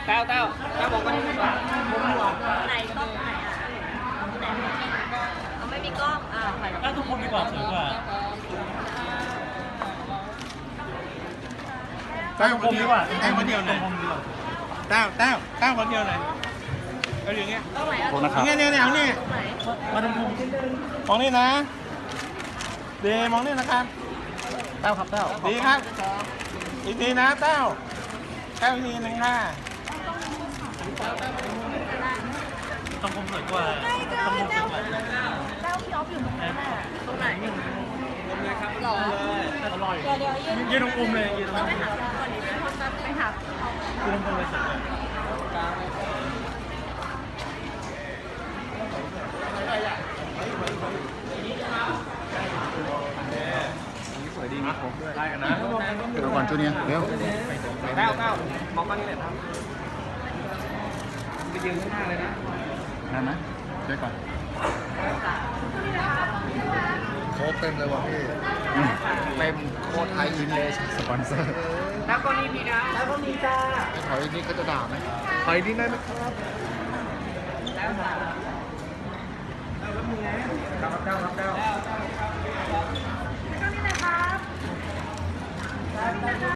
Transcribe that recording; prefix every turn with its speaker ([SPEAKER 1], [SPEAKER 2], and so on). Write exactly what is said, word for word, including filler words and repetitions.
[SPEAKER 1] ต้าเต้าเต้ามองก็ได้ดีกว่า
[SPEAKER 2] ไหนกล้องไหนอ่ะไหนเขาไม่มีกล้องอ่าถ่ายกับ
[SPEAKER 3] ถ้าทุกคนดีกว่าสวยกว่า
[SPEAKER 4] เต้า
[SPEAKER 3] ทุกคนดีกว่า
[SPEAKER 4] เต้าคนเดียวหน่อย
[SPEAKER 3] ทุกคนดีกว่า
[SPEAKER 4] เต้าเต้าเต้าคนเดียวหน่อยเอาอย่างเงี้ย
[SPEAKER 2] กล้องไหนอ่ะ
[SPEAKER 3] โทษนะครับ
[SPEAKER 4] เนี่ยเนี่ยเนี่ยเอาเนี่ย
[SPEAKER 2] กล้องไหน
[SPEAKER 3] มาทุกคน
[SPEAKER 4] มองนี่นะเดมองนี่นะครับ
[SPEAKER 3] เต้าครับเต้า
[SPEAKER 4] ดีครับ อีกทีนะเต้าเต้าอีกทีหนึ่งค่ะ
[SPEAKER 3] ต้องผมสวยกว่าต้องผมสวยกว่า
[SPEAKER 2] เต้าพี่ออฟอยู่ตรงนั้นอ่ะตรงไหนหรอ
[SPEAKER 3] อร่อย
[SPEAKER 2] เดี๋ยวเดี๋ยวยืน
[SPEAKER 3] ยืนตรงอุ้มเลยยืนตรง
[SPEAKER 2] เรา
[SPEAKER 3] อุ้ม
[SPEAKER 2] ไปหาพี่ก่อนดิไปหา
[SPEAKER 3] ยืนตรงอุ้มเลยสวยกว่า
[SPEAKER 4] สวยดีนะผมด้วยได้กันนะ
[SPEAKER 5] เดี๋ยวก่อนจูเนียร์เร็ว
[SPEAKER 1] เต้าเต้ามองก็นี่แหละครับไปยืนข้างหน้าเลยนะ
[SPEAKER 5] นั่นนะเดี๋ยวก่อนโค้ดเต็มเลยว่ะพี่เต็มโค้ดไทยอินเลยสปอนเซอร์
[SPEAKER 1] แล้วก็นี่มีนะแล้วก็มีจ้า
[SPEAKER 5] ไอ้ถอยนี่ก็จะด่าไหมถอยนี่ได้ไหมครับ
[SPEAKER 1] แล้วจ้าแล้วมีไงเต้าครับเต้าครับเต้า